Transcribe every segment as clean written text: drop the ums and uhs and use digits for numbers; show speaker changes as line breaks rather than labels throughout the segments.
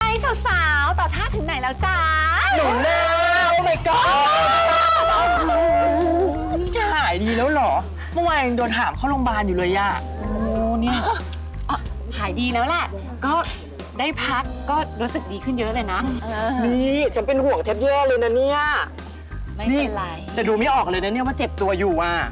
สาวๆต่อท่าถึงไหนแล้วจ๊ะ
หนูนาโอ้ my god จะหายดีแล้วเหรอเมื่อวานยังโดนหามเข้าโรงพยาบาลอยู่เลยอะโอ้เนี่ย
หายดีแล้วแหละก็ได้พักก็รู้สึกดีขึ้นเยอะเลยนะ
นี่ฉันเป็นห่วงแทบแย่เลยนะเนี่ย
ไม่เป็นไร
แต่ดูไม่ออกเลยนะเนี่ยว่าเจ็บตัวอยู่อ่ะ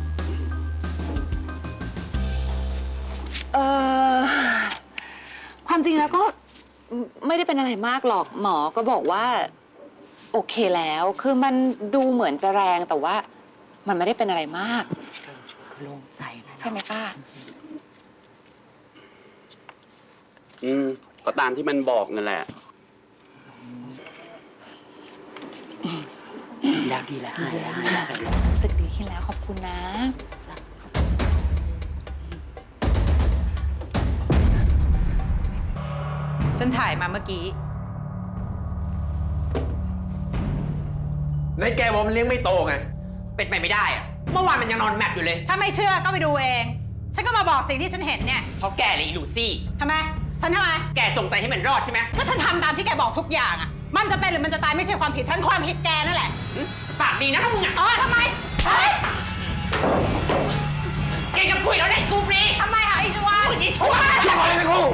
ความจริงแล้วก็ไม่ได้เป็นอะไรมากหรอกหมอก็บอกว่าโอเคแล้วคือมันดูเหมือนจะแรงแต่ว่ามันไม่ได้เป็นอะไรมาก
โล่งใจนะ
ใช่ไหมป้า
ก็ตามที่มันบอกนั่นแหละ
ดีแล้ว
รู้สึกดีขึ้นแล้วขอบคุณนะ
ฉันถ่ายมาเมื่อกี้
ในแกบอกมันเลี้ยงไม่โตไงเป็นไปไม่ได้อะเมื่อวานมันยังนอนแมปอยู่เลย
ถ้าไม่เชื่อก็ไปดูเองฉันก็มาบอกสิ่งที่ฉันเห็นเนี่ย
เพราะแกเลยอีลูซี่
ทำไมฉันทำไม
แกจงใจให้มันรอดใช่ไหม
ก็ฉันทำตามที่แกบอกทุกอย่างอ่ะมันจะเป็นหรือมันจะตายไม่ใช่ความผิดฉันความผิดแกนั่นแหละ
ปากดีนะถ้ามึงอ่ะ
ทำไมเฮ้ย
แกจะคุยแล้วได้กูฟรี
ทำไมอ่ะอีจวน
อีชั่ว
อย่าขอเลยนะครู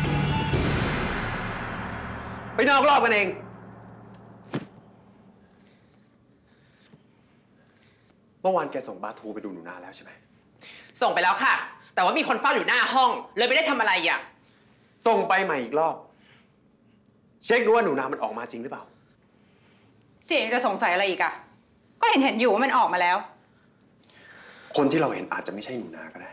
ไปนอกรอบกันเองเมื่อวานแกส่งบาทูไปดูหนูนาแล้วใช่ไหม
ส่งไปแล้วค่ะแต่ว่ามีคนเฝ้าอยู่หน้าห้องเลยไม่ได้ทำอะไรอ่ะ
ส่งไปใหม่อีกรอบเช็คดูว่าหนูนามันออกมาจริงหรือเปล่า
เสียงจะสงสัยอะไรอีกอ่ะก็เห็นอยู่ว่ามันออกมาแล้ว
คนที่เราเห็นอาจจะไม่ใช่หนูนาก็ได้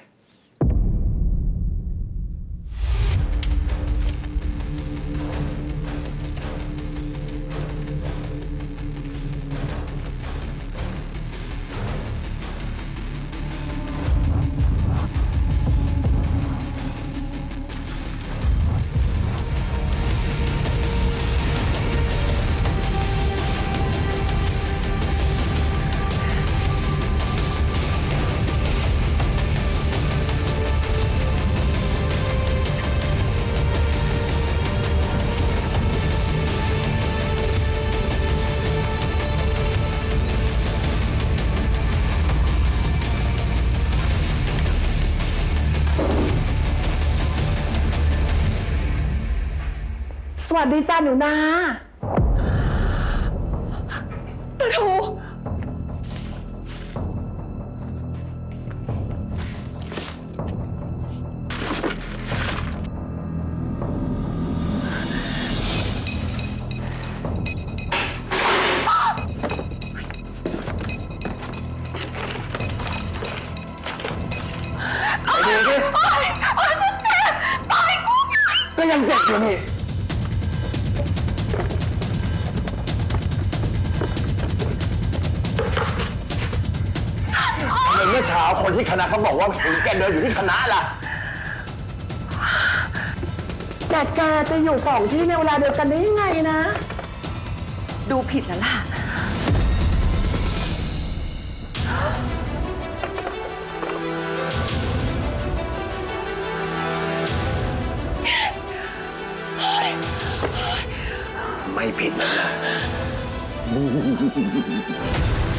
สวัสดีจ้าหนูนาปะทูก็ยังเจ็บอยู่นี่เมื่อเช้าคนที่คณะเขาบอกว่าเห็นแกเดินอยู่ที่คณะล่ะแต่แกจะอยู่สองที่ในเวลาเดียวกันได้ยังไงนะ
ดูผิดแล้วล่ะ
ไม่ผิดแล้วนะ